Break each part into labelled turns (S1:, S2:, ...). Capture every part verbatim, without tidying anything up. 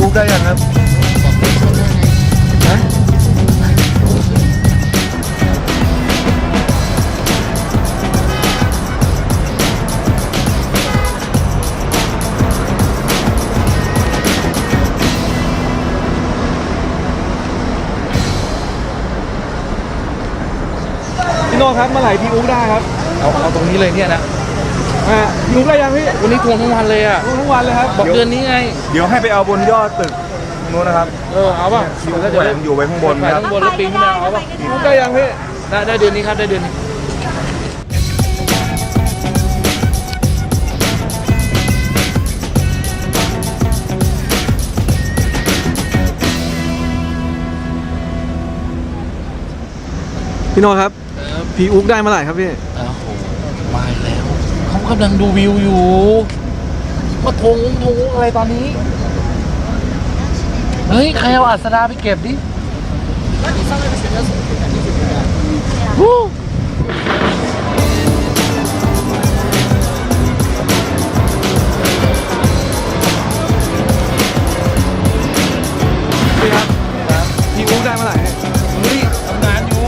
S1: กได้ยังครับฮะพี่โน่ครับเมื่อไหร่พี่อุ๊กได้ครับ
S2: เอาเอาตรงนี้เลยเนี่ยนะ
S1: อ่าพี่อุ๊กได้ยังพี่
S2: วันนี้ทวงทั้งวันเลยอ่ะ
S1: ทวงทั้งวันเลยครับ
S2: บอกเดือนนี้ไง
S1: เดี๋ยวให้ไปเอาบนยอดตึกโน้นนะครับ
S2: เออเอาป่ะ
S1: พี่อุ๊กแขวนอยู่ไว้ข้างบน
S2: แขวน
S1: ครับ
S2: ข้างบนแล้วปีนขึ้นมาเอาป่ะ
S1: พี่อุ๊กได้ยังพี่
S2: ได้ได้เดือนนี้ครับได้เดือนนี้
S1: พี่โน่ครับพี่อุ๊กได้เมื่อไหร่ครับพี่
S2: โอ้โหมาแล้วเขากำลังดูวิวอยู่มาทงทงอะไรตอนนี้เฮ้ยใครเอาอัศดาไปเก็บดิฮู้
S1: พี่ครับพี่อุ๊กได้เมื่อไหร่เนี่ย
S2: เฮ้ยทำงานอยู่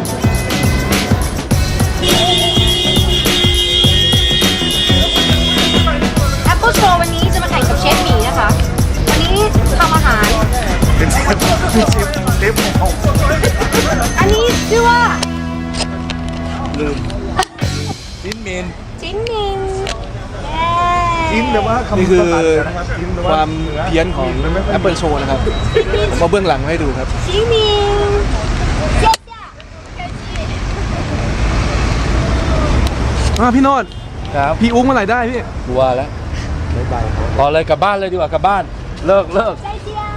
S3: แอปเปิลโชว์วันนี้จะมาแข่งกับเชฟหมีนะคะ วันนี้ทำอาหาร
S1: เป็นเชฟเชฟเชฟของ
S3: อันนี้ชื่อว่า
S1: ลืม
S2: ชิ้นเมน
S3: จิ้นมิงเย้
S1: อินแต่ว่าคำ
S4: นี่คือ ความเพี้ยนของ Apple Show นะครับผมมาเบื้องหลังให้ดูครับ
S3: จิ้นมิงเย้จ้ะ
S1: อ่าพี่โนด
S2: ครับ
S1: พี่อุ๊กเมื่อไหร่ได้พี่
S2: กลัวแล้วรอเลยกลับบ้านเลยดีกว่ากลับบ้านเลิกเลิก
S3: ใจเจียว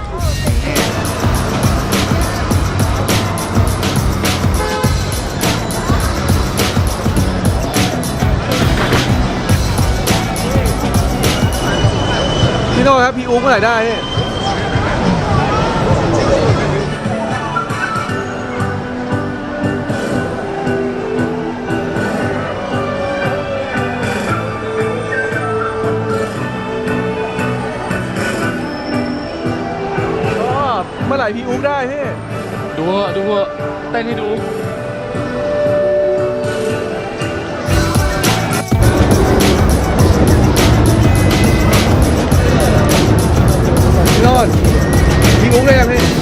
S1: พี่โนดครับพี่อุ๊กเมื่อไหร่ได้พี่อ๋อเมื่อไหร่พี่อุ๊กได้พี่
S2: ดูเถอะดูเถอะเต้นให้ดู
S1: พี่โนดพี่อุ๊กได้ยังพี่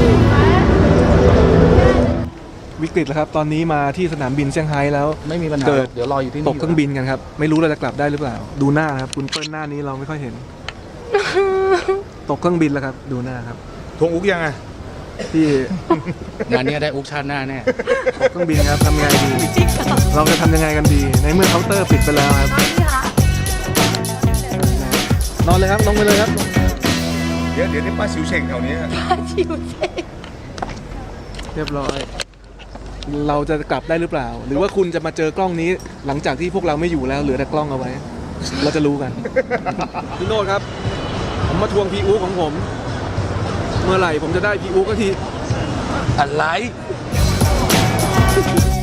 S1: วิกฤตแล้วครับตอนนี้มาที่สนามบินเซี่ยงไฮ้แล้ว
S2: ไม่มีปัญหา
S1: เกิด
S2: เดี๋ยวรออยู่ที่นี่
S1: ตกเครื่องบินกันครับไม่รู้เราจะกลับได้หรือเปล่า ดูหน้านะครับคุณเปิ้ลหน้านี้เราไม่ค่อยเห็น ตกเครื่องบินแล้วครับดูหน้าครับทวงอุ๊กยังไงพี่
S2: งานนี้ได้อุกชาติหน้าแน่
S1: ตกเครื่องบินครับทำยังไงดีเราจะทำยังไงกันดีในเมื่อเคาน์เตอร์ปิดไปแล้วครับนอนเลยครับลงไปเลยครับเดี๋ยวเดี๋ยวนี่ป้าชิวเชงแถวนี้
S3: ชิวเจ๊
S1: เรียบร้อย เราจะกลับได้หรือเปล่า หรือว่าคุณจะมาเจอกล้องนี้หลังจากที่พวกเราไม่อยู่แล้วเหลือแต่กล้องเอาไว้ เราจะรู้กัน พี่โนดครับ ผมมาทวงพีอูของผม เมื่อไหร่ผมจะได้พีอูก็ที
S2: อะไร